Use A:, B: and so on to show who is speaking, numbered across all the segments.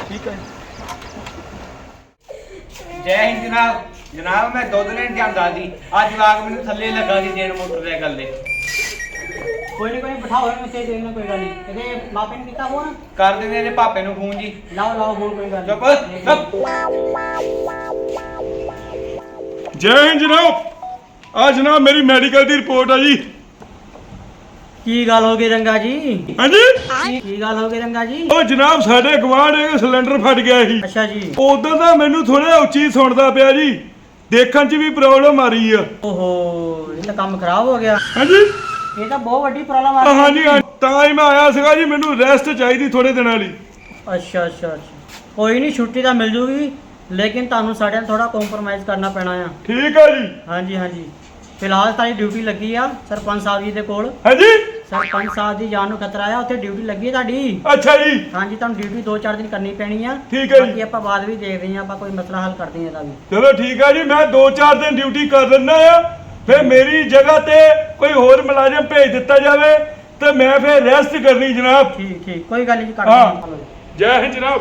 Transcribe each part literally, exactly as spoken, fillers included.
A: ठीक है। जय हिंद जनाब। जनाब मैं दुध लेन जांदा सी, अज जवाक मैनूं थल्ले लगा सी देण मोटरसाइकल दे।
B: कोई नहीं कोई नहीं बिठाओ मैं से देखना कोई गल नहीं ਇਹਦੇ ਮਾਪੇ ਨੇ ਕੀਤਾ ਫੋਨ
A: कर देने ਇਹਦੇ पापे नूं फोन जी।
B: ਲਾਓ ਲਾਓ ਫੋਨ ਕੋਈ ਗੱਲ
A: चुप
B: ਨਹੀਂ
A: चुप।
C: जय हिंद जनाब। आ जनाब मेरी मेडिकल की रिपोर्ट है जी।
B: ਕੀ ਗੱਲ ਹੋ ਗਈ ਰੰਗਾ ਜੀ
C: हाँ जी
B: ਕੀ ਕੀ ਗੱਲ ਹੋ ਗਈ ਰੰਗਾ ਜੀ
C: ਉਹ ਜਨਾਬ ਸਾਡੇ ਗਵਾਂਢ ਇੱਕ ਸਿਲੰਡਰ ਫਟ ਗਿਆ ਸੀ।
B: ਅੱਛਾ ਜੀ
C: ਉਦੋਂ ਦਾ ਮੈਨੂੰ ਥੋੜਾ ਉੱਚੀ ਸੁਣਦਾ ਪਿਆ ਜੀ, ਦੇਖਣ 'ਚ ਵੀ ਪ੍ਰੋਬਲਮ ਆ ਰਹੀ ਆ।
B: ਓਹੋ ਇਹ ਤਾਂ ਕੰਮ ਖਰਾਬ ਹੋ ਗਿਆ
C: ਹਾਂਜੀ
B: ਇਹ ਤਾਂ ਬਹੁਤ ਵੱਡੀ ਪ੍ਰੋਬਲਮ ਆ
C: ਹਾਂ ਜੀ ਹਾਂ, ਤਾਂ ਹੀ ਮੈਂ ਆਇਆ ਸੀਗਾ ਜੀ, ਮੈਨੂੰ ਰੈਸਟ ਚਾਹੀਦੀ ਥੋੜੇ ਦਿਨਾਂ ਲਈ।
B: ਅੱਛਾ ਅੱਛਾ ਅੱਛਾ ਕੋਈ ਨਹੀਂ ਛੁੱਟੀ ਤਾਂ ਮਿਲ ਜੂਗੀ ਲੇਕਿਨ ਤੁਹਾਨੂੰ ਸਾਡੇ ਨਾਲ ਥੋੜਾ ਕੰਪਰੋਮਾਈਜ਼ ਕਰਨਾ ਪੈਣਾ ਆ।
C: ਠੀਕ ਹੈ ਜੀ।
B: ਹਾਂਜੀ ਹਾਂਜੀ ਫਿਲਹਾਲ ਤਾਂ ਡਿਊਟੀ ਲੱਗੀ ਆ ਸਰਪੰਚ ਸਾਹਿਬ ਜੀ ਦੇ ਕੋਲ।
C: ਹਾਂਜੀ
B: ਸਰਪੰਚ ਸਾਹਿਬ ਦੀ ਜਾਨ ਨੂੰ ਖਤਰਾ ਆ, ਉੱਥੇ ਡਿਊਟੀ ਲੱਗੀ ਹੈ ਤੁਹਾਡੀ।
C: ਅੱਛਾ ਜੀ
B: ਹਾਂਜੀ ਤੁਹਾਨੂੰ ਡਿਊਟੀ ਦੋ ਚਾਰ ਦਿਨ ਕਰਨੀ ਪੈਣੀ ਆ।
C: ਠੀਕ ਹੈ ਜੀ।
B: ਬਾਕੀ ਆਪਾਂ ਬਾਅਦ ਵੀ ਦੇਖਦੇ ਹਾਂ, ਆਪਾਂ ਕੋਈ ਮਸਲਾ ਹੱਲ ਕਰਦੇ ਹਾਂ ਇਹਦਾ ਵੀ।
C: ਚਲੋ ਠੀਕ ਹੈ ਜੀ, ਮੈਂ ਦੋ ਚਾਰ ਦਿਨ ਡਿਊਟੀ ਕਰ ਲੈਂਦਾ ਆ, ਫਿਰ ਮੇਰੀ ਜਗ੍ਹਾ ਤੇ ਕੋਈ ਹੋਰ ਮੁਲਾਜ਼ਮ ਭੇਜ ਦਿੱਤਾ ਜਾਵੇ ਤੇ ਮੈਂ ਫਿਰ ਰੈਸਟ ਕਰਨੀ ਜਨਾਬ।
B: ਠੀਕ ਠੀਕ ਕੋਈ ਗੱਲ ਨਹੀਂ ਕਰ
C: ਹਾਂ।
B: ਦਿੰਦੇ
C: ਜੈ ਹਿੰਦ ਜਨਾਬ।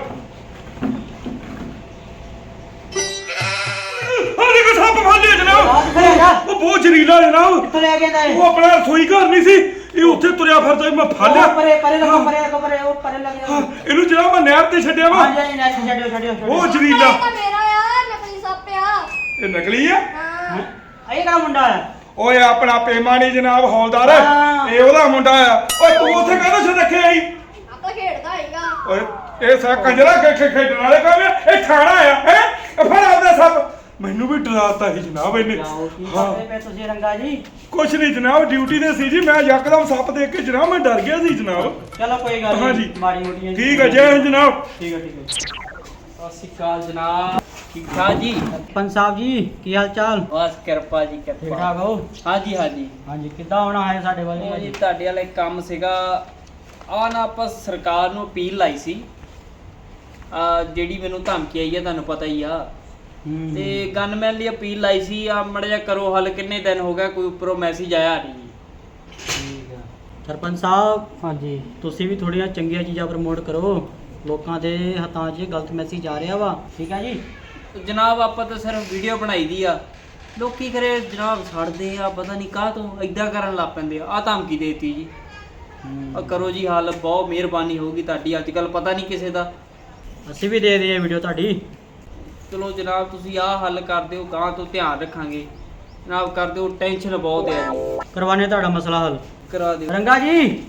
C: ਆ ਦੇਖੋ ਸੱਪ ਫੜ ਲਿਆ ਜਨਾਬ। ਉਹ ਬਹੁਤ ਜ਼ਹਿਰੀਲਾ ਜਨਾਬ।
B: ਕਿੱਥੋਂ ਲੈ ਕੇ ਆਂਦਾ
C: ਉਹ ਆਪਣਾ ਰਸੋਈ ਘਰ ਨਹੀਂ ਸੀ, ਇਹ ਉੱਥੇ ਤੁਰਿਆ ਫਿਰਦਾ ਸੀ, ਮੈਂ ਫੜ ਲਿਆ।
B: ਪਰੇ ਪਰੇ ਲੱਗੋ ਪਰੇ ਲੱਗੋ ਪਰੇ ਉਹ ਪਰੇ ਲੱਗ
C: ਹਾਂ,
B: ਜਾ।
C: ਇਹਨੂੰ ਜਨਾਬ ਮੈਂ ਨਹਿਰ ਤੇ ਛੱਡਿਆ ਵਾ।
B: ਹਾਂਜੀ ਹਾਂਜੀ ਨੈਟ ਛੱਡਿਓ ਛੱਡਿਓ ਛੱਡਿਓ।
C: ਉਹ ਜ਼ਹਿਰੀਲਾ
D: ਇਹ ਤਾਂ ਮੇਰਾ ਆ ਨਕਲੀ ਸੱਪ ਆ।
C: ਇਹ ਨਕਲੀ ਆ।
D: ਹਾਂ
B: ਇਹ ਕਿਹੜਾ ਮੁੰਡਾ ਆ
C: ਓਏ ਆਪਣਾ ਪੇਮਾਨੀ ਜਨਾਬ ਹੌਲਦਾਰ,
B: ਹਾਂ।
C: ਇਹ ਉਹਦਾ ਮੁੰਡਾ ਆ। ਓਏ ਤੂੰ ਉੱਥੇ ਕਾਹਦਾ ਛੱਡ ਰੱਖਿਆ ਸੀ?
D: ਆਪਾਂ ਖੇਡਦਾ ਹੈਗਾ।
C: ਓਏ ਇਹ ਸਾ ਕੰਜਰਾ ਖੇ ਖੇਡਣ ਵਾਲੇ ਕੰਮ ਆ, ਇਹ ਖਾਣਾ ਆ ਹੈ। ਫੜ ਆਪਦਾ ਸੱਪ। ਮੈਨੂੰ ਵੀ ਡਰਾਤਾ ਸੀ ਜਨਾਬ ਇਹਨੇ।
B: ਜਾਓ ਕੀ
C: ਹਾਂ
B: ਕਰਦੇ ਪਏ ਤੁਸੀਂ ਰੰਗਾ ਜੀ?
C: ਕੁਛ ਨਹੀਂ ਜਨਾਬ, ਡਿਊਟੀ ਤੇ ਸੀ ਜੀ, ਮੈਂ ਯਕਦਮ ਸੱਪ ਦੇਖ ਕੇ ਜਨਾਬ ਮੈਂ ਡਰ ਗਿਆ ਸੀ ਜਨਾਬ।
B: ਚਲੋ ਕੋਈ ਗੱਲ
C: ਹਾਂਜੀ।
B: ਨਹੀਂ ਮਾੜੀ ਮੋਟੀ
C: ਠੀਕ ਹੈ ਜੈ ਹਿੰਦ ਜਨਾਬ।
B: ਠੀਕ ਹੈ ਠੀਕ ਹੈ।
A: ਸਤਿ ਸ਼੍ਰੀ ਅਕਾਲ ਜਨਾਬ। ਠੀਕ ਠਾਕ ਜੀ?
B: ਸਰਪੰਚ ਸਾਹਿਬ ਜੀ ਕੀ ਹਾਲ ਚਾਲ?
A: ਬਸ ਕਿਰਪਾ ਜੀ
B: ਠੀਕ
A: ਕਿਰਪਾ।
B: ਠਾਕ ਹੋ?
A: ਹਾਂਜੀ ਹਾਂਜੀ।
B: ਹਾਂਜੀ ਕਿੱਦਾਂ ਆਉਣਾ ਹੈ ਸਾਡੇ ਵੱਲ
A: ਉਹ ਜੀ
B: ਜੀ?
A: ਤੁਹਾਡੇ ਵਾਲਾ ਇੱਕ ਕੰਮ ਸੀਗਾ, ਆ ਨਾ ਆਪਾਂ ਸਰਕਾਰ ਨੂੰ ਅਪੀਲ ਲਾਈ ਸੀ, ਆ ਜਿਹੜੀ ਮੈਨੂੰ ਧਮਕੀ ਆਈ ਆ ਤੁਹਾਨੂੰ ਪਤਾ ਹੀ ਆ,
B: ਹੂੰ।
A: ਤੇ ਗਨਮੈਨ ਲਈ ਅਪੀਲ ਲਾਈ ਸੀ, ਆ ਮੜਾ ਜਿਹਾ ਕਰੋ ਹੱਲ। ਕਿੰਨੇ ਦਿਨ ਹੋ ਗਿਆ ਕੋਈ ਉੱਪਰੋਂ ਮੈਸੇਜ ਆਇਆ ਨਹੀਂ ਜੀ।
B: ਠੀਕ ਆ ਸਰਪੰਚ ਸਾਹਿਬ। ਹਾਂਜੀ ਤੁਸੀਂ ਵੀ ਥੋੜ੍ਹੀਆਂ ਚੰਗੀਆਂ ਚੀਜ਼ਾਂ ਪ੍ਰਮੋਟ ਕਰੋ, ਲੋਕਾਂ ਦੇ ਹੱਥਾਂ 'ਚ ਗਲਤ ਮੈਸੇਜ ਆ ਰਿਹਾ ਵਾ। ਠੀਕ ਆ ਜੀ।
A: ਜਨਾਬ ਆਪਾਂ ਤਾਂ ਸਿਰਫ ਵੀਡੀਓ ਬਣਾਈ ਦੀ ਆ, ਲੋਕੀ ਕਰੇ ਜਨਾਬ ਛੱਡਦੇ ਆ, ਪਤਾ ਨਹੀਂ ਕਾਹ ਤੋਂ ਇਦਾਂ ਕਰਨ ਲੱਗ ਪੈਂਦੇ ਆ। ਆ ਧਮਕੀ ਦੇਤੀ ਜੀ, ਆ ਕਰੋ ਜੀ ਹੱਲ, ਬਹੁਤ ਮਿਹਰਬਾਨੀ ਹੋਊਗੀ ਤੁਹਾਡੀ। ਅੱਜ ਕੱਲ ਪਤਾ ਨਹੀਂ ਕਿਸੇ ਦਾ।
B: ਅਸੀਂ ਵੀ ਦੇ ਦਈਏ ਵੀਡੀਓ ਤੁਹਾਡੀ।
A: ਚਲੋ ਜਨਾਬ ਤੁਸੀਂ ਆਹ ਹੱਲ ਕਰ ਦਿਓ, ਗਾਂ ਤੋਂ ਧਿਆਨ ਰੱਖਾਂਗੇ ਜਨਾਬ। ਕਰ ਦਿਓ, ਟੈਨਸ਼ਨ ਬਹੁਤ ਹੈ ਜੀ।
B: ਕਰਵਾਨੇ ਤੁਹਾਡਾ ਮਸਲਾ ਹੱਲ।
A: ਕਰਾ ਦਿਓ।
B: ਰੰਗਾ ਜੀ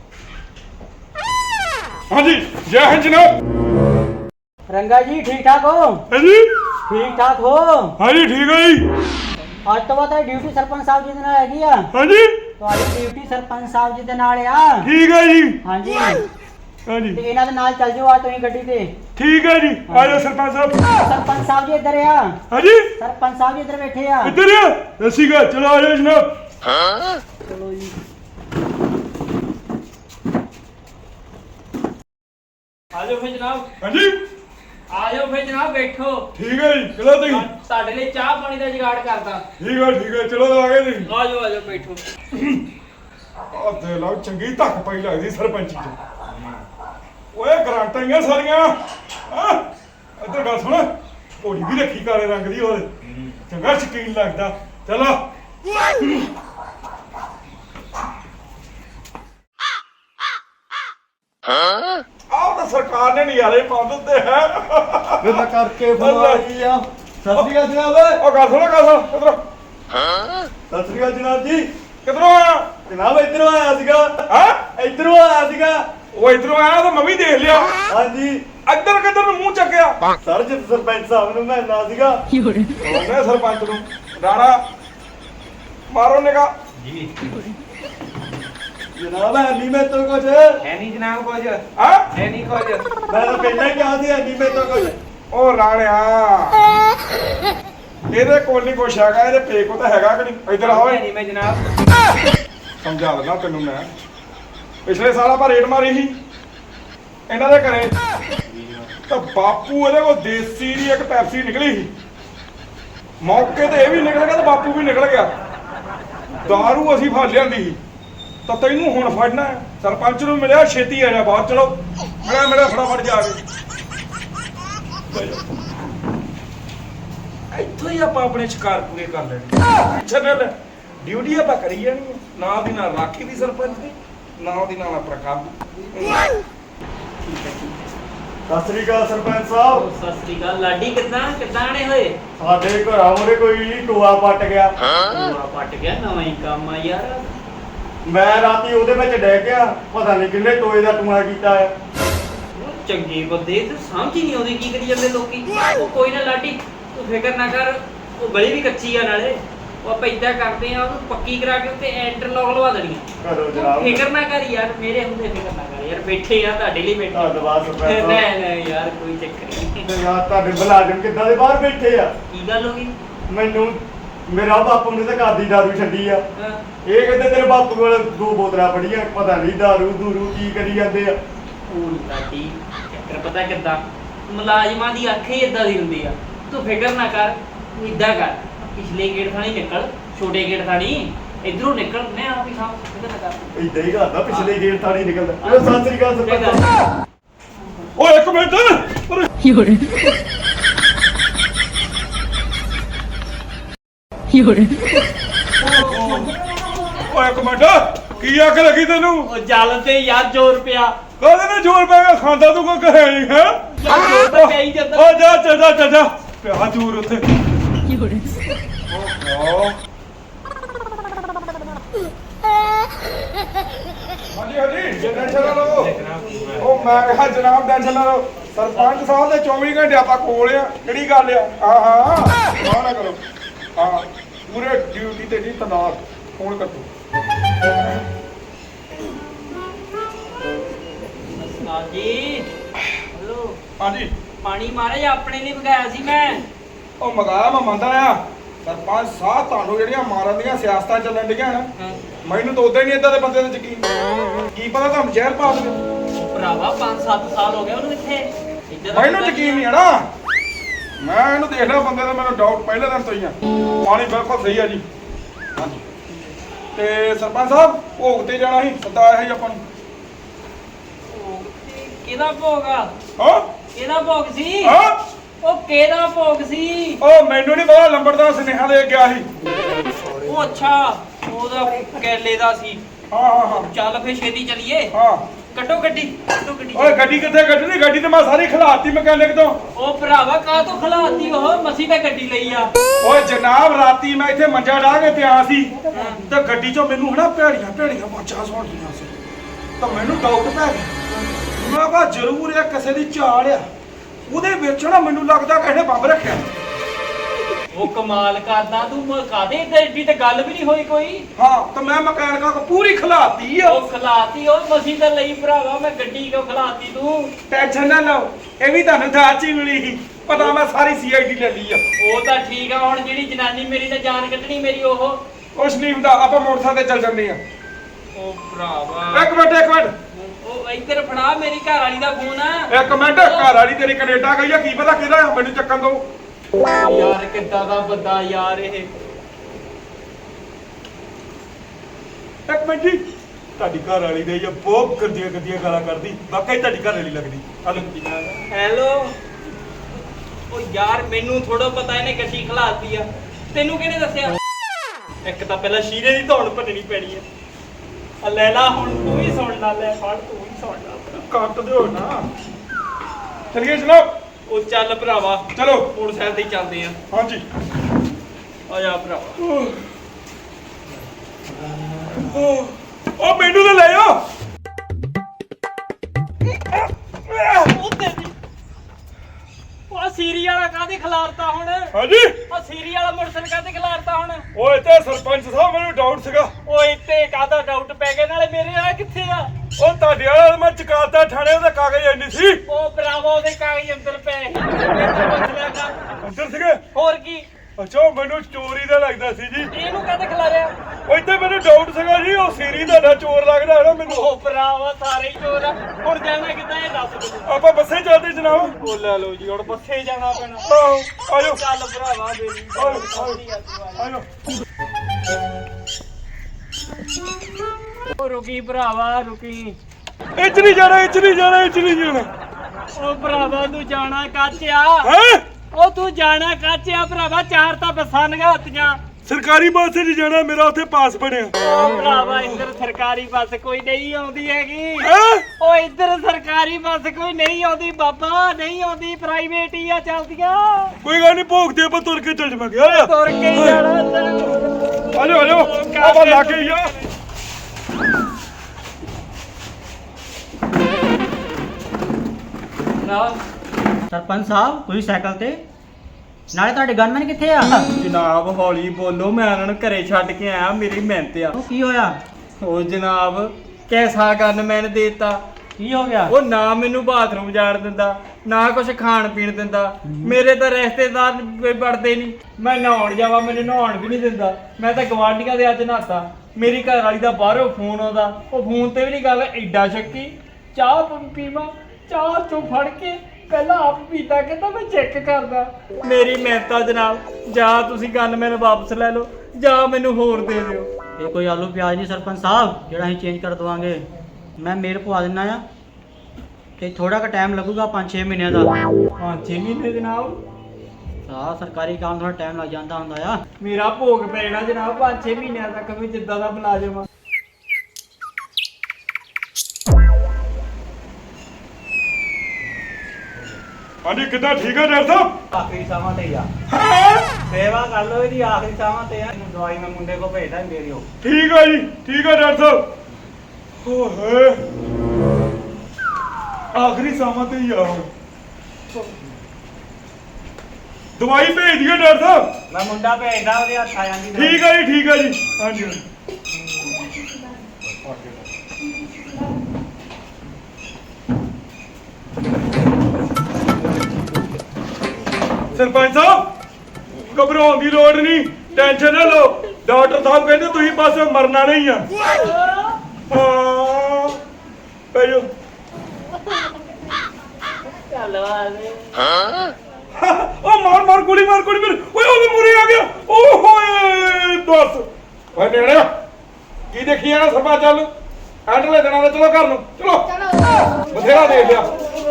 C: ਹਾਂਜੀ ਜੈ ਹਿੰਦ ਜਨਾਬ।
B: ਰੰਗਾ ਜੀ ਠੀਕ ਠਾਕ ਹੋ?
C: ਹਾਂਜੀ
B: ਠੀਕ ਠਾਕ ਹੋ?
C: ਹਾਂਜੀ ਠੀਕ ਹੈ ਜੀ।
B: ਅੱਜ ਤੋਂ ਬਾਅਦ ਡਿਊਟੀ ਸਰਪੰਚ ਸਾਹਿਬ ਜੀ ਦੇ ਨਾਲ ਹੈਗੀ ਆ।
C: ਹਾਂਜੀ
B: ਤੁਹਾਡੀ ਡਿਊਟੀ ਸਰਪੰਚ ਸਾਹਿਬ ਜੀ ਦੇ ਨਾਲ ਆ।
C: ਠੀਕ ਹੈ ਜੀ।
B: ਹਾਂਜੀ
C: ਹਾਂਜੀ
B: ਤੇ ਇਹਨਾਂ ਦੇ ਨਾਲ ਚੱਲ ਜਾਓ ਆ ਤੁਸੀਂ ਗੱਡੀ ਤੇ।
C: ਠੀਕ ਹੈ ਜੀ, ਆ ਜਾਓ ਸਰਪੰਚ ਸਾਹਿਬ।
B: ਸਰਪੰਚ ਸਾਹਿਬ ਜੀ ਇੱਧਰ ਆ।
C: ਹਾਂਜੀ
B: ਸਰਪੰਚ ਸਾਹਿਬ ਜੀ ਇੱਧਰ ਬੈਠੇ ਆ।
C: ਇੱਧਰ ਆ ਦੱਸੀ ਗਾ। ਚਲੋ ਆ ਜਾਓ ਜਨਾਬ।
B: ਚਲੋ ਜੀ।
A: ਆ ਜਾਓ ਫੇ ਜਨਾਬ।
C: ਹਾਂਜੀ
A: ਆ ਜਾਓ ਫੇ ਜਨਾਬ, ਬੈਠੋ।
C: ਠੀਕ ਹੈ ਜੀ। ਚਲੋ ਤੁਸੀਂ।
A: ਤੁਹਾਡੇ ਲਈ ਚਾਹ ਪਾਣੀ ਦਾ ਜੁਗਾੜ ਕਰਦਾ।
C: ਠੀਕ ਹੈ ਠੀਕ ਹੈ ਚਲੋ ਆ ਗਏ ਤੁਸੀਂ।
A: ਆ ਜਾਓ ਆ ਜਾਓ ਬੈਠੋ।
C: ਆ ਦੇ ਲਓ ਚੰਗੀ ਧੱਕ ਪਈ ਲੱਗਦੀ ਸਰਪੰਚੀ ਚ। ਓਏ ਗਰਾਂਟਾਂ ਹੀ ਆ ਸਾਰੀਆਂ। ਹਾਂ ਇੱਧਰ ਗੱਲ ਸੁਣ, ਘੋੜੀ ਵੀ ਰੱਖੀ ਕਾਲੇ ਰੰਗ ਦੀ, ਉਹਦੇ ਚੰਗਾ ਸ਼ਕੀਨ ਲੱਗਦਾ। ਚਲੋ ਆਹ ਤਾਂ ਸਰਕਾਰ ਨੇ ਨਜ਼ਾਰੇ ਪਾ ਦਿੱਤੇ ਹੈ।
E: ਫਿਰ ਮੈਂ ਕਰਕੇ ਫੋਨ ਆ ਗਈ ਆ। ਸਤਿ ਸ੍ਰੀ ਅਕਾਲ ਜਨਾਬ।
C: ਉਹ ਗੱਲ ਸੁਣੋ ਗੱਲ ਸੁਣ ਕਿਧਰੋਂ
E: ਸਤਿ ਸ੍ਰੀ ਅਕਾਲ ਜਨਾਬ ਜੀ।
C: ਕਿਧਰੋਂ ਆਇਆ?
E: ਜਨਾਬ ਇੱਧਰੋਂ ਆਇਆ ਸੀਗਾ।
C: ਹਾਂ
E: ਇੱਧਰੋਂ ਆਇਆ ਸੀਗਾ।
C: ਉਹ ਇਧਰੋਂ ਆਇਆ ਤਾਂ ਮੈਂ ਵੀ ਦੇਖ ਲਿਆ।
E: ਹਾਂਜੀ
C: ਇੱਧਰ ਕਿੱਧਰ ਨੂੰ ਮੂੰਹ ਚੱਕਿਆ?
E: ਸਰ ਜਦ ਸਰਪੰਚ ਸਾਹਿਬ ਨੂੰ ਮੈਂ ਨਾ ਸੀਗਾ।
C: ਉਹਨੇ ਸਰਪੰਚ ਨੂੰ ਰਾਣਾ ਮਾਰੋ ਨਿਕਾ
A: ਜੀ।
E: ਜਨਾਬ ਹੈ ਨਹੀਂ ਮੈਂ ਤੋਂ ਕੁਝ।
A: ਹੈ ਨਹੀਂ ਜਨਾਬ ਕੁਝ।
C: ਹਾਂ
A: ਹੈ ਨਹੀਂ ਕੁਝ।
E: ਮੈਂ ਤਾਂ ਪਹਿਲਾਂ ਹੀ ਕਿਹਾ ਸੀ ਹੈ ਨਹੀਂ ਮੈਂ ਤੋਂ ਕੁਝ।
C: ਉਹ ਰਾਣਿਆ ਇਹਦੇ ਕੋਲ ਨਹੀਂ ਕੁਛ ਹੈਗਾ, ਇਹਦੇ ਪੇ ਕੋ ਤਾਂ ਹੈਗਾ ਕਿ ਨਹੀਂ? ਇੱਧਰ ਆਓ।
A: ਹੈ ਨਹੀਂ ਮੈਂ ਜਨਾਬ।
C: ਸਮਝਾ ਦਿੰਦਾ ਤੈਨੂੰ ਮੈਂ। ਪਿਛਲੇ ਸਾਲ ਆਪਾਂ ਰੇਡ ਮਾਰੀ ਸੀ ਇਹਨਾਂ ਦੇ ਘਰੇ, ਤਾਂ ਬਾਪੂ ਇਹਦੇ ਕੋਲ ਦੇਸੀ ਦੀ ਇੱਕ ਪੈਪਸੀ ਨਿਕਲੀ ਸੀ। ਮੌਕੇ ਤੇ ਇਹ ਵੀ ਨਿਕਲ ਗਿਆ ਤੇ ਬਾਪੂ ਵੀ ਨਿਕਲ ਗਿਆ। ਦਾਰੂ ਅਸੀਂ ਫੜ ਲਿਆਂਦੀ ਸੀ। ਤਾਂ ਤੈਨੂੰ ਹੁਣ ਫੜਨਾ ਹੈ। ਸਰਪੰਚ ਨੂੰ ਮਿਲਿਆ, ਛੇਤੀ ਆ ਜਾ ਬਾਹਰ। ਚਲੋ ਮਿਲਿਆ ਮਿਲਿਆ ਫਟਾਫਟ ਜਾ ਕੇ। ਇੱਥੋਂ ਹੀ ਆਪਾਂ ਆਪਣੇ ਸ਼ਿਕਾਰ ਪੂਰੇ ਕਰ ਲੈਣੇ ਚੰਨ ਡਿਊਟੀ ਆਪਾਂ ਕਰੀ ਜਾਣੀ ਹੈ। ਨਾ ਦੀ ਨਾਲ ਰਾਖੀ ਦੀ ਸਰਪੰਚ ਦੀ, ਨਾ ਉਹਦੀ ਨਾਲ ਆਪਣਾ ਕੰਮ।
E: ਸਤਿ ਸ੍ਰੀ ਅਕਾਲ ਸਰਪੰਚ ਸਾਹਿਬ।
A: ਸਤਿ ਸ੍ਰੀ ਅਕਾਲ ਲਾਡੀ, ਕਿੱਦਾਂ ਕਿੱਦਾਂ ਆਣੇ ਹੋਏ?
E: ਸਾਡੇ ਘਰਾਂ ਮੂਹਰੇ ਕੋਈ ਟੋਆ ਪੱਟ ਗਿਆ।
A: ਟੋਆ ਪੱਟ ਗਿਆ, ਨਵਾਂ ਹੀ ਕੰਮ ਆ ਯਾਰ।
E: ਮੈਂ ਰਾਤੀ ਉਹਦੇ ਵਿੱਚ ਡਹਿ ਗਿਆ, ਪਤਾ ਨਹੀਂ ਕਿੰਨੇ ਟੋਏ ਦਾ ਟੂਆ ਕੀਤਾ ਹੈ।
A: ਉਹ ਚੰਗੇ ਬੰਦੇ ਤੇ ਸਮਝ ਹੀ ਨਹੀਂ ਆਉਂਦੀ ਕੀ ਕਰੀ ਜਾਂਦੇ ਲੋਕੀ। ਉਹ ਕੋਈ ਨਾ ਲਾਡੀ, ਤੂੰ ਫਿਕਰ ਨਾ ਕਰ, ਉਹ ਗਲੀ ਵੀ ਕੱਚੀ ਆ, ਨਾਲੇ ਉਹ ਆਪਾਂ ਏਦਾਂ ਕਰਦੇ ਆ, ਉਹਨੂੰ ਪੱਕੀ ਕਰਾ ਕੇ ਉੱਤੇ ਇੰਟਰਲੌਕ ਲਵਾ ਦੇਣੀ ਆ।
E: ਕਰੋ ਜਨਾਬ।
A: ਫਿਕਰ ਨਾ ਕਰ ਯਾਰ, ਮੇਰੇ ਹੁੰਦੇ ਫਿਕਰ ਨਾ ਕਰ ਯਾਰ, ਬੈਠੇ ਆ ਤੁਹਾਡੇ ਲਈ ਬੈਠੇ।
E: ਧੰਨਵਾਦ ਸਰਪੰਚ ਸਾਹਿਬ।
A: ਨਹੀਂ ਨਹੀਂ ਯਾਰ, ਕੋਈ ਚੱਕਰ ਨਹੀਂ।
E: ਤੇ ਯਾਰ ਤੁਹਾਡੇ ਮੁਲਾਜ਼ਮ ਕਿੱਦਾਂ ਦੇ ਬਾਹਰ ਬੈਠੇ ਆ?
A: ਕੀ ਗੱਲ ਹੋ ਗਈ?
E: ਮੈਨੂੰ ਮੇਰਾ ਬਾਪੂ ਨੇ ਤਾਂ ਘਰ ਦੀ ਦਾਰੂ ਛੱਡੀ ਆ।
A: ਹਾਂ।
E: ਇਹ ਕਹਿੰਦੇ ਤੇਰੇ ਬਾਪੂ ਕੋਲ ਦੋ ਬੋਤਲਾਂ ਪੜੀਆਂ, ਪਤਾ ਨਹੀਂ ਦਾਰੂ ਦੂਰੂ ਕੀ ਕਰੀ ਜਾਂਦੇ ਆ।
A: ਉਹ ਲਾਡੀ, ਚੱਕਰ ਪਤਾ ਕਿੱਦਾਂ, ਮੁਲਾਜ਼ਮਾਂ ਦੀ ਅੱਖ ਹੀ ਇਦਾਂ ਦੀ ਹੁੰਦੀ ਆ। ਤੂੰ ਫਿਕਰ ਨਾ ਕਰ, ਤੂੰ ਇਦਾਂ ਕਰ, ਪਿਛਲੇ ਗੇਟ ਥਾਣੀ ਨਿਕਲ, ਛੋਟੇ ਗੇਟ ਥਾਣੀ ਇਧਰੋਂ ਨਿਕਲ, ਮੈਂ ਆਪ ਹੀ ਸਾਹਮਣੇ, ਫਿਕਰ ਨਾ ਕਰ।
E: ਏਦਾਂ ਹੀ ਕਰਦਾ, ਪਿਛਲੇ ਗੇਟ ਥਾਣੀ ਨਿਕਲਦਾ। ਚਲੋ ਸਤਿ ਸ੍ਰੀ ਅਕਾਲ ਸਰਪੰਚ ਸਾਹਿਬ।
C: ਓਏ ਇੱਕ ਮਿੰਟ ਓਏ ਇੱਕ ਮਿੰਟ, ਕੀ ਆਖ ਲੱਗੀ ਤੈਨੂੰ?
A: ਉਹ ਜਲ ਤੇ ਯਾਰ ਜ਼ੋਰ ਪਿਆ।
C: ਕਾਹਦੇ ਨਾਲ ਜ਼ੋਰ ਪੈ ਗਿਆ? ਖਾਂਦਾ ਤੂੰ ਕੋਈ ਕਹੇ ਨਹੀਂ ਹੈ?
A: ਯਾਰ ਜ਼ੋਰ ਤਾਂ ਪਿਆ ਹੀ ਜਾਂਦਾ।
C: ਓ ਜਾ ਚੱਲ ਜਾ ਚੱਲ ਜਾ, ਪਿਆ ਜ਼ੋਰ ਉੱਥੇ। ਓਹ ਹਾਂਜੀ ਹਾਂਜੀ, ਟੈਨਸ਼ਨ ਨਾ ਲਓ। ਉਹ ਮੈਂ ਕਿਹਾ ਜਨਾਬ ਟੈਨਸ਼ਨ ਨਾ ਲਓ, ਸਰਪੰਚ ਸਾਹਿਬ ਦੇ ਚੌਵੀ ਘੰਟੇ ਆਪਾਂ ਕੋਲ ਆ। ਕਿਹੜੀ ਗੱਲ ਆ? ਹਾਂ ਹਾਂ, ਨਾ ਨਾ ਕਰੋ। ਹਾਂ, ਪੂਰੇ ਡਿਊਟੀ ਤੇ ਜੀ ਤਨਾਤ। ਫੋਨ ਕਰ ਤੂੰ।
A: ਸਤਿ ਜੀ, ਹੈਲੋ,
C: ਹਾਂਜੀ,
A: ਪਾਣੀ ਮਹਾਰਾਜ ਆਪਣੇ ਲਈ ਮੰਗਾਇਆ ਸੀ ਮੈਂ।
C: ਉਹ ਮਗਾਇਆ ਮੈਂ ਮੰਨਦਾ ਆ। ਸਰਪੰਚ ਸਾਹਿਬ ਤੁਹਾਨੂੰ ਜਿਹੜੀਆਂ ਮਾਰਨ ਦੀਆਂ ਸਿਆਸਤਾਂ ਚੱਲਣ ਡੀਆਂ ਨਾ, ਮੈਨੂੰ ਤਾਂ ਉਦਾਂ ਹੀ ਨਹੀਂ ਏਦਾਂ ਦੇ ਬੰਦੇ ਤੇ ਯਕੀਨ। ਕੀ ਪਤਾ ਤੁਹਾਨੂੰ ਜ਼ਹਿਰ ਪਾ ਦੇਵੇ।
A: ਭਰਾਵਾ ਪੰਜ ਸੱਤ ਸਾਲ ਹੋ ਗਏ ਉਹਨੂੰ ਇੱਥੇ। ਇੱਧਰ
C: ਮੈਨੂੰ ਯਕੀਨ ਨਹੀਂ ਹੈ ਨਾ, ਮੈਂ ਇਹਨੂੰ ਦੇਖ ਲਿਆ ਬੰਦੇ ਦਾ, ਮੈਨੂੰ ਡਾਊਟ ਪਹਿਲੇ ਦਿਨ ਤੋਂ ਹੀ ਆ। ਪਾਣੀ ਬਿਲਕੁਲ ਸਹੀ ਆ ਜੀ। ਹਾਂਜੀ, ਤੇ ਸਰਪੰਚ ਸਾਹਿਬ ਭੋਗ ਤੇ ਜਾਣਾ ਸੀ, ਸੱਦਾ ਆਇਆ ਸੀ ਆਪਾਂ ਨੂੰ।
A: ਭੋਗ ਤੇ ਕਿਹਦਾ ਭੋਗ ਆ?
C: ਹਾਂ
A: ਕਿਹਦਾ ਭੋਗ ਸੀ?
C: ਹਾਂ,
A: ਉਹ ਕਿਹਦਾ ਭੋਗ ਸੀ?
C: ਉਹ ਮੈਨੂੰ ਨਹੀਂ ਪਤਾ, ਲੰਬੜਦਾਰ ਸੁਨੇਹਾ ਦੇ ਗਿਆ ਸੀ।
A: ਉਹ ਅੱਛਾ, ਉਹਦਾ ਕੈਲੇ ਦਾ ਸੀ।
C: ਹਾਂ ਹਾਂ ਹਾਂ
A: ਚੱਲ ਫੇ ਛੇਤੀ ਚਲੀਏ।
C: ਹਾਂ।
A: ਕੱਢੋ ਗੱਡੀ, ਕੱਢੋ ਗੱਡੀ।
C: ਓਏ ਗੱਡੀ ਕਿੱਥੇ ਕੱਢਣੀ? ਗੱਡੀ ਤੇ ਮੈਂ ਸਾਰੀ ਖਿਲਾਤੀ ਮਕੈਨਿਕ ਤੋਂ।
A: ਉਹ ਭਰਾਵਾ ਕਾਹ ਤੋਂ ਖਲਾਤੀ? ਉਹ ਮਸੀ ਤਾਂ ਗੱਡੀ ਲਈ ਆ।
C: ਓਏ ਜਨਾਬ, ਰਾਤੀ ਮੈਂ ਇੱਥੇ ਮੰਜਾ ਢਾ ਕੇ ਪਿਆ ਸੀ ਤੇ ਗੱਡੀ ਚੋਂ ਮੈਨੂੰ ਹਨਾ ਭੈੜੀਆਂ ਭੈੜੀਆਂ ਆਵਾਜ਼ਾਂ ਸੁਣਦੀਆਂ ਸੀ, ਤਾਂ ਮੈਨੂੰ ਡਾਊਟ ਪੈ ਗਿਆ। ਮੈਂ ਕਿਹਾ ਜ਼ਰੂਰ ਇਹ ਕਿਸੇ ਦੀ ਚਾਲ ਆ। ਉਹਦੇ ਵਿੱਚ ਨਾ ਮੈਨੂੰ ਲੱਗਦਾ ਕਿਸੇ ਨੇ ਬੰਬ ਰੱਖਿਆ।
A: ਉਹ ਕਮਾਲ ਕਰਦਾ ਤੂੰ, ਕਾਦੇ ਏਡੀ ਤੇ ਗੱਲ ਵੀ ਨਹੀਂ ਹੋਈ ਕੋਈ।
C: ਹਾਂ, ਤਾਂ ਮੈਂ ਮਕੈਨਿਕਾਂ ਕੋ ਪੂਰੀ ਖਿਲਾਤੀ ਆ।
A: ਉਹ ਖਲਾਤੀ, ਉਹ ਮਸੀ ਤਾਂ ਲਈ ਭਰਾਵਾ, ਮੈਂ ਗੱਡੀ ਕਿਉਂ ਖਲਾਤੀ ਤੂੰ?
C: ਟੈਨਸ਼ਨ ਨਾ ਲਓ, ਇਹ ਵੀ ਤੁਹਾਨੂੰ ਦਾਚ ਹੀ ਮਿਲੀ ਸੀ। ਪਤਾ ਮੈਂ ਸਾਰੀ ਸੀ ਆਈ ਡੀ ਲੈ ਲਈ ਆ।
A: ਉਹ ਤਾਂ ਠੀਕ ਆ, ਹੁਣ ਜਿਹੜੀ ਜਨਾਨੀ ਮੇਰੀ ਨੇ ਜਾਨ ਕੱਢਣੀ ਮੇਰੀ, ਉਹ
C: ਕੁਛ ਨਹੀਂ ਹੁੰਦਾ, ਆਪਾਂ ਮੋਟਰਸਾਈਕਲ ਤੇ ਚੱਲ ਜਾਂਦੇ ਆ।
A: ਉਹ ਭਰਾਵਾ,
C: ਇੱਕ ਮਿੰਟ ਇੱਕ ਮਿੰਟ
A: ਉਹ ਇੱਧਰ ਫੜਾ, ਮੇਰੀ ਘਰ ਵਾਲੀ ਦਾ ਫੋਨ ਆ।
C: ਇੱਕ ਮਿੰਟ, ਘਰ ਵਾਲੀ ਤੇਰੀ ਕੈਨੇਡਾ ਗਈ ਆ, ਕੀ ਪਤਾ ਕਿਹਦਾ ਆ, ਮੈਨੂੰ ਚੱਕਣ ਦੋ।
A: ਯਾਰ ਕਿੱਦਾਂ ਦਾ ਬੰਦਾ ਯਾਰ ਇਹ।
C: ਇੱਕ ਮਿੰਟ ਜੀ, ਤੁਹਾਡੀ ਘਰ ਵਾਲੀ ਦੇ ਇਹ ਬਹੁਤ ਗੰਦੀਆਂ ਗੰਦੀਆਂ ਗਾਲਾਂ ਕਰਦੀ, ਵਾਕਈ ਤੁਹਾਡੀ ਘਰ ਵਾਲੀ ਲੱਗਦੀ। ਹਲੋ
A: ਹੈਲੋ, ਉਹ ਯਾਰ ਮੈਨੂੰ ਥੋੜਾ ਪਤਾ ਇਹਨੇ ਗੱਡੀ ਖਲਾਤੀ ਆ, ਤੈਨੂੰ ਕਿਹਨੇ ਦੱਸਿਆ? ਇੱਕ ਤਾਂ ਪਹਿਲਾਂ ਸ਼ੀਰੇ ਦੀ ਧੌਣ ਭੰਨਣੀ ਪੈਣੀ ਆ। ਆ ਲੈ ਲਾ, ਹੁਣ ਤੂੰ ਹੀ ਸੁਣ ਲਾ, ਲੈ ਫੜ ਤੂੰ ਹੀ ਸੁਣ ਲਾ।
C: ਕੱਟ ਦਿਓ ਨਾ। ਚਲਿਏ ਜਨਾਬ।
A: ਉਹ ਚੱਲ ਭਰਾਵਾ,
C: ਚਲੋ
A: ਮੋਟਰਸਾਈਕਲ ਤੇ ਹੀ ਚੱਲਦੇ ਆ।
C: ਹਾਂਜੀ,
A: ਆ ਜਾ ਭਰਾਵਾ।
C: ਉਹ ਮੈਨੂੰ ਤਾਂ ਲੈ ਆਓ।
A: ਉਹ ਤੇਰੀ, ਉਹ ਸੀਰੀ ਵਾਲਾ ਕਾਹਦੇ ਖਿਲਾਰਤਾ ਹੁਣ?
C: ਹਾਂਜੀ,
A: ਉਹ ਸੀਰੀ ਵਾਲਾ ਮੋਟਰਸਾਈਕਲ ਕਾਹਦੇ ਖਿਲਾਰਤਾ ਹੁਣ?
C: ਓਏ ਤੇ ਸਰਪੰਚ ਸਾਹਿਬ, ਮੈਨੂੰ ਡਾਊਟ ਸੀਗਾ।
A: ਉਹ ਇੱਥੇ ਕਾਹਦਾ ਡਾਊਟ ਪੈ ਗਿਆ? ਨਾਲੇ ਮੇਰੇ ਵਾਲਾ ਕਿੱਥੇ ਆ?
C: ਉਹ ਤੁਹਾਡੇ ਵਾਲਾ ਮੈਂ ਚਕਾਤਾ ਥਾਣੇ, ਉਹਦੇ ਕਾਗਜ਼ ਇੰਨੀ ਸੀ।
A: ਉਹ ਭਰਾਵਾ ਉਹਦੇ ਕਾਗਜ਼ ਅੰਦਰ ਪਏ ਸੀ, ਇੱਥੇ ਪੁੱਛ ਲਿਆ ਕਰ।
C: ਅੰਦਰ ਸੀਗੇ?
A: ਹੋਰ ਕੀ?
C: ਅੱਛਾ, ਉਹ ਮੈਨੂੰ ਚੋਰੀ ਦਾ ਲੱਗਦਾ ਸੀ ਜੀ।
A: ਇਹਨੂੰ ਕਾਹਦੇ ਖਿਲਾਰਿਆ?
C: ਉਹ ਇੱਥੇ ਮੈਨੂੰ ਡਾਊਟ ਸੀਗਾ ਜੀ, ਉਹ ਸੀਰੀ ਤੁਹਾਡਾ ਚੋਰ ਲੱਗਦਾ ਹੈ ਨਾ ਮੈਨੂੰ।
A: ਉਹ ਭਰਾਵਾ ਸਾਰੇ ਹੀ ਚੋਰ ਆ। ਹੁਣ ਜਾਣਾ ਕਿੱਦਾਂ ਇਹ ਦੱਸ ਮੈਨੂੰ।
C: ਆਪਾਂ ਬੱਸੇ ਚੱਲਦੇ ਜਨਾਬ।
A: ਉਹ ਲੈ ਲਓ ਜੀ, ਹੁਣ ਬੱਸੇ ਜਾਣਾ ਪੈਣਾ।
C: ਆਹੋ, ਆਜੋ
A: ਚੱਲ ਭਰਾਵਾ ਮੇਰੀ
C: ਆਜੋ।
A: ਉਹ ਰੁਕੀ ਭਰਾਵਾ, ਰੁਕੀ।
C: ਇੱਚ ਨਹੀਂ ਜਾਣਾ, ਇੱਚ ਨਹੀਂ ਜਾਣਾ, ਇੱਚ ਨਹੀਂ ਜਾਣਾ।
B: ਉਹ ਭਰਾਵਾ ਤੂੰ ਜਾਣਾ ਕਾਚਿਆ
C: ਹੈ
B: ਉਹ ਤੂੰ ਜਾਣਾ ਕਾਚਿਆ ਭਰਾਵਾ ਚਾਰ ਤਾਂ ਬੱਸਾਂ ਨਗਾਤੀਆਂ
C: ਸਰਕਾਰੀ ਬੱਸ 'ਚ ਜਾਣਾ ਮੇਰਾ ਉੱਥੇ ਪਾਸ ਬਣਿਆ
B: ਉਹ ਭਰਾਵਾ ਇੱਧਰ ਸਰਕਾਰੀ ਬੱਸ ਕੋਈ ਨਹੀਂ ਆਉਂਦੀ ਹੈਗੀ
C: ਹੈ
B: ਉਹ ਇੱਧਰ ਸਰਕਾਰੀ ਬੱਸ ਕੋਈ ਨਹੀਂ ਆਉਂਦੀ ਬਾਬਾ ਨਹੀਂ ਆਉਂਦੀ ਪ੍ਰਾਈਵੇਟ ਹੀ ਆ ਚੱਲਦੀਆਂ
C: ਕੋਈ ਗੱਲ ਨਹੀਂ ਭੋਗ ਤੇ ਆਪਾਂ ਤੁਰ ਕੇ ਚੱਲ ਜਾਵਾਂਗੇ ਆ
B: ਤੁਰ ਕੇ ਹੀ ਜਾਣਾ
C: ਹਲੋ ਹਲੋ ਆਪਾਂ ਲਾ ਕੇ ਆ
A: ਜਨਾਬ
B: ਸਰਪੰਚ ਸਾਹਿਬ ਤੁਸੀਂ ਸਾਈਕਲ ਤੇ ਨਾਲੇ ਤੁਹਾਡੇ ਗਨਮੈਨ ਕਿੱਥੇ ਆ
A: ਜਨਾਬ ਹੌਲੀ ਬੋਲੋ ਮੈਂ ਉਹਨਾਂ ਨੂੰ ਘਰੇ ਛੱਡ ਕੇ ਆਇਆ ਮੇਰੀ ਮਿਹਨਤ ਆ
B: ਉਹ ਕੀ ਹੋਇਆ
A: ਉਹ ਜਨਾਬ ਕੈਸਾ ਕਰਨ ਮੈਨ ਦੇਤਾ
B: ਕੀ ਹੋ ਗਿਆ
A: ਉਹ ਨਾ ਮੈਨੂੰ ਬਾਥਰੂਮ ਜਾਣ ਦਿੰਦਾ ਨਾ ਕੁਝ ਖਾਣ ਪੀਣ ਦਿੰਦਾ ਮੇਰੇ ਤਾਂ ਰਿਸ਼ਤੇਦਾਰ ਵੀ ਵੜਦੇ ਨਹੀਂ ਮੈਂ ਨਹਾਉਣ ਜਾਵਾਂ ਮੈਨੂੰ ਨਹਾਉਣ ਵੀ ਨਹੀਂ ਦਿੰਦਾ ਮੈਂ ਤਾਂ ਗਵਾਂਢੀਆਂ ਦੇ ਅੱਜ ਨਹਾਤਾ ਮੇਰੀ ਘਰ ਵਾਲੀ ਦਾ ਬਾਹਰੋਂ ਫੋਨ ਆਉਂਦਾ ਉਹ ਫੋਨ ਤੇ ਵੀ ਨਹੀਂ ਗੱਲ ਐਡਾ ਸ਼ੱਕੀ ਚਾਹ ਪ- ਪੀਵਾਂ ਚਾਹ ਚੋਂ ਫੜ ਕੇ ਪਹਿਲਾਂ ਆਪ ਪੀਤਾ ਕਹਿੰਦਾ ਮੈਂ ਚੈੱਕ ਕਰਦਾ ਮੇਰੀ ਮਿਹਨਤਾਂ ਜਨਾਬ ਜਾਂ ਤੁਸੀਂ ਗਨ ਮੈਨੂੰ ਵਾਪਸ ਲੈ ਲਓ ਜਾਂ ਮੈਨੂੰ ਹੋਰ ਦੇ ਦਿਓ
B: ਇਹ ਕੋਈ ਆਲੂ ਪਿਆਜ਼ ਨਹੀਂ ਸਰਪੰਚ ਸਾਹਿਬ ਜਿਹੜਾ ਅਸੀਂ ਚੇਂਜ ਕਰ ਦਵਾਂਗੇ ਮੈਂ ਮੇਲ ਪਵਾ ਦਿੰਦਾ ਆ ਤੇ ਥੋੜਾ ਕੁ ਟਾਈਮ ਲੱਗੂਗਾ ਪੰਜ ਛੇ ਮਹੀਨਿਆਂ ਦਾ
A: ਪੰਜ ਛੇ ਮਹੀਨੇ ਜਨਾਬ
B: ਆ ਸਰਕਾਰੀ ਕੰਮ ਥੋੜਾ ਟਾਈਮ ਲੱਗ ਜਾਂਦਾ ਹੁੰਦਾ ਆ
A: ਮੇਰਾ ਭੋਗ ਪੈਣਾ ਜਨਾਬ ਪੰਜ ਛੇ ਮਹੀਨਿਆਂ ਤੱਕ ਵੀ ਜਿੱਦਾਂ ਦਾ ਮੁਲਾਜ਼ਮ ਆ
C: ਹਾਂਜੀ ਕਿੱਦਾਂ ਠੀਕ ਹੈ ਡਾਕਟਰ ਸਾਹਿਬ
B: ਆਖਰੀ ਸਾਵਾਂ ਤੇ ਆ ਸੇਵਾ ਕਰ ਲਓ ਇਹਦੀ ਆਖਰੀ ਸਾਵਾਂ ਤੇ ਆ ਇਹਨੂੰ ਦਵਾਈ ਮੈਂ ਮੁੰਡੇ ਕੋ ਭੇਜਦਾ ਮੇਰੀ ਉਹ
C: ਠੀਕ ਹੈ ਜੀ ਠੀਕ ਹੈ ਡਾਕਟਰ ਸਾਹਿਬ ਓਏ ਆਖਰੀ ਸਾਹਾਂ ਤੇ ਹੀ ਆ ਹੁਣ। ਦਵਾਈ ਭੇਜ ਦਿਓ ਡਾਕਟਰ ਸਾਹਿਬ
B: ਮੈਂ ਮੁੰਡਾ ਭੇਜਦਾ ਉਹਦੇ ਹੱਥ ਆ ਜਾਂਦੀ
C: ਠੀਕ ਹੈ ਜੀ ਠੀਕ ਹੈ ਜੀ ਹਾਂਜੀ ਹਾਂਜੀ। ਸਰਪੰਚ ਸਾਹਿਬ ਘਬਰਾਉਣ ਦੀ ਲੋੜ ਨਹੀਂ ਟੈਨਸ਼ਨ ਨਾ ਲਓ ਡਾਕਟਰ ਸਾਹਿਬ ਕਹਿੰਦੇ ਤੁਸੀਂ ਬਸ ਮਰਨਾ ਨਹੀਂ ਆ ਹਾਂ ਪੈ ਜਾਓ ਉਹ ਮਾਰ ਮਾਰ ਗੋਲੀ ਮਾਰ ਗੋਲੀ ਮਾਰ ਓਏ ਉਹਦੇ ਮੂਰੇ ਆ ਗਿਆ ਓ ਹੋਏ ਦੱਸ ਓਏ ਨੇੜੇ ਕੀ ਦੇਖੀ ਜਾਣਾ ਸਰਪੰਚ ਚੱਲ ਐਂਡਲੇ ਦਿਨਾਂ ਦਾ ਚਲੋ ਘਰ ਨੂੰ ਚਲੋ
D: ਚਲੋ
C: ਬਥੇਰਾ ਦੇਖ ਲਿਆ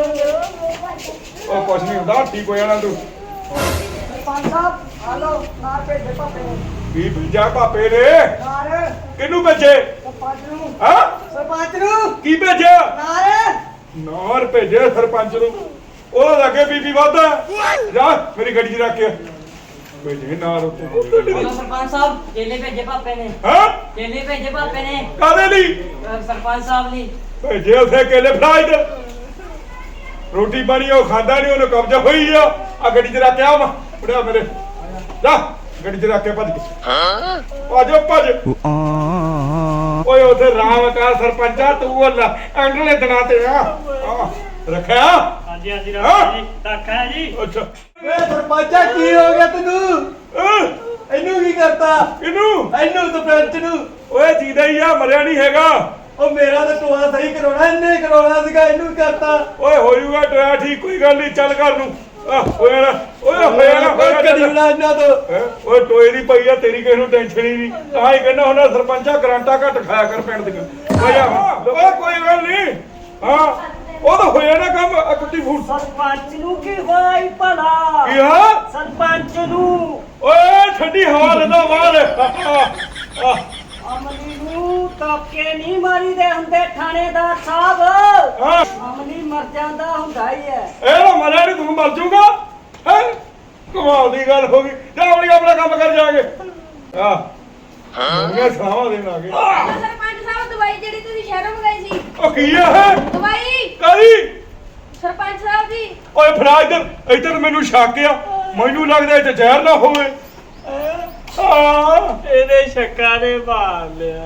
C: ਉਹ ਕੁਛ ਨਹੀਂ ਹੁੰਦਾ ਠੀਕ ਹੋ ਜਾਣਾ ਤੂੰ
F: ਸਰਪੰਚ ਸਾਹਿਬ ਹਲੋ ਨਾ ਭੇਜੇ ਭਾਪੇ ਨੂੰ
C: ਕੀ ਭੇਜਿਆ ਭਾਪੇ ਨੇ
F: ਨਾਰ
C: ਕਿਹਨੂੰ ਭੇਜੇ
F: ਸਰਪੰਚ ਨੂੰ
C: ਹਾਂ
F: ਸਰਪੰਚ ਨੂੰ
C: ਕੀ ਭੇਜਿਆ
F: ਨਾਰ
C: ਨਾਰ ਭੇਜਿਆ ਸਰਪੰਚ ਨੂੰ ਉਹ ਲੱਗੇ ਬੀਬੀ ਵਾਦਾ ਜਾ ਮੇਰੀ ਗੱਡੀ 'ਚ ਰੱਖ ਕੇ ਭੇਜੇ ਨਾਰ ਉੱਤੇ
G: ਸਰਪੰਚ ਸਾਹਿਬ ਕੇਲੇ ਭੇਜੇ ਪਾਪੇ ਨੇ
C: ਹਾਂ
G: ਕੇਲੇ ਭੇਜੇ ਪਾਪੇ ਨੇ
C: ਕਾਦੇ ਲਈ
G: ਅਹ ਸਰਪੰਚ ਸਾਹਿਬ ਲਈ
C: ਭੇਜੇ ਉਥੇ ਕੇਲੇ ਫੜਾਈ ਦੇ ਰੋਟੀ ਪਾਣੀ ਉਹ ਖਾਂਦਾ ਨਹੀਂ ਉਹਨੂੰ ਕਬਜ਼ਾ ਹੋਈ ਆ ਆ ਗੱਡੀ 'ਚ ਰੱਖ ਕੇ ਆ ਫੜਿਆ ਮੇਰੇ ਜਾ ਗੱਡੀ 'ਚ ਰੱਖ ਕੇ ਭੱਜ ਕੇ ਭੱਜੋ ਭੱਜ ਓਏ ਉਥੇ ਰਾਮਕਾਰ ਸਰਪੰਚਾ ਤੂੰ ਉਹ ਅੰਗਲੇ ਦਿਨਾਂ ਤੇ ਆ ਆ, ਰੱਖਿਆ
B: ਹਾਂਜੀ ਹਾਂਜੀ
C: ਹਾਂ?
B: ਜੀ ਰੱਖਿਆ ਜੀ
C: ਅੱਛਾ
F: ਵੇ ਸਰਪੰਚਾ ਕੀ ਹੋ ਗਿਆ ਤੈਨੂੰ
C: ਅਹ,
F: ਇਹਨੂੰ ਕੀ ਕਰਤਾ
C: ਇਹਨੂੰ
F: ਇਹਨੂੰ ਸਰਪੰਚ ਨੂੰ
C: ਓਏ ਜੀਦਾ ਹੀ ਆ ਮਰਿਆ ਨਹੀਂ ਹੈਗਾ
F: ਉਹ ਮੇਰਾ ਤਾਂ ਟੋਆ ਸਹੀ ਕਰਾਉਣਾ ਇਹਨੇ ਕਰਾਉਣਾ ਸੀਗਾ ਇਹਨੂੰ ਕਰਤਾ
C: ਓਏ ਹੋ ਜੂਗਾ ਟੋਇਆ ਠੀਕ ਕੋਈ ਗੱਲ ਨਹੀਂ ਚੱਲ ਘਰ ਨੂੰ ਆ ਹੋਇਆ ਨਾ ਓਏ ਹੋਇਆ ਨਾ ਹੋਇਆ ਨਾ, ਚੱਲ।
F: ਕਦੀਣਾ ਇਹਨਾਂ ਤੋਂ
C: ਹੈਂ? ਓਏ ਟੋਏ ਦੀ ਪਈ ਆ ਤੇਰੀ ਕਿਸੇ ਨੂੰ ਟੈਨਸ਼ਨ ਹੀ ਨਹੀਂ ਤਾਂ ਹੀ ਕਹਿੰਦਾ ਹੁੰਦਾ ਸਰਪੰਚਾ ਗਰਾਂਟਾ ਘੱਟ ਖਾਇਆ ਕਰ ਪਿੰਡ ਦੀਆਂ ਓਏ ਆ, ਓਏ ਕੋਈ ਗੱਲ ਨਹੀਂ ਹਾਂ ਉਹ ਤਾਂ ਹੋਇਆ ਨਾ ਕੰਮ ਆ ਕੁੱਤੀ ਫੂਟ
B: ਸਰਪੰਚ ਨੂੰ ਕੀ ਹੋਇਆ ਈ ਭਲਾ
C: ਕੀ ਹਾਂ
B: ਸਰਪੰਚ ਨੂੰ
C: ਓਏ ਠੰਡੀ ਹਵਾ ਲੈਂਦਾ ਬਾਹਰ ਆ,
B: ਅਮਲੀ ਨੂੰ ਤਾਕੇ ਨਹੀਂ ਮਾਰੀਦੇ ਹੁੰਦੇ ਥਾਣੇਦਾਰ ਸਾਹਿਬ
C: ਹਾਂ
B: ਅਮਲੀ ਮਰ ਜਾਂਦਾ ਹੁੰਦਾ ਹੀ ਹੈ
C: ਇਹ ਨਾ ਮਰਿਆ ਨਹੀਂ ਤੂੰ ਮਰ ਜਾਊਗਾ ਹੈ ਕਮਾਲ ਦੀ ਗੱਲ ਹੋ ਗਈ ਜਾ ਆਪਣੀ ਆਪਣਾ ਕੰਮ ਕਰ ਜਾ ਕੇ ਆ ਹਾਂ ਸਲਾਹਾਂ ਦੇਣ ਆ ਗਏ
D: ਸਰਪੰਚ ਸਾਹਿਬ ਦਵਾਈ ਜਿਹੜੀ ਤੁਸੀਂ ਸ਼ਹਿਰੋਂ ਮੰਗਾਈ ਸੀ
C: ਉਹ ਕੀ ਆ ਇਹ
D: ਦਵਾਈ
C: ਕਾਦੀ
D: ਸਰਪੰਚ ਸਾਹਿਬ ਦੀ
C: ਓਏ ਫੜਾ ਇੱਧਰ ਇੱਧਰ ਮੈਨੂੰ ਸ਼ੱਕ ਆ ਮੈਨੂੰ ਲੱਗਦਾ ਇਹ 'ਚ ਜ਼ਹਿਰ ਨਾ ਹੋਵੇ ਆ
B: ਇਹਦੇ ਸ਼ੱਕਾਂ ਨੇ ਮਾਰ ਲਿਆ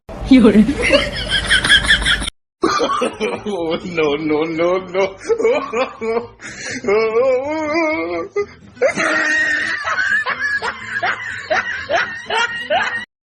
E: no, no, no, no.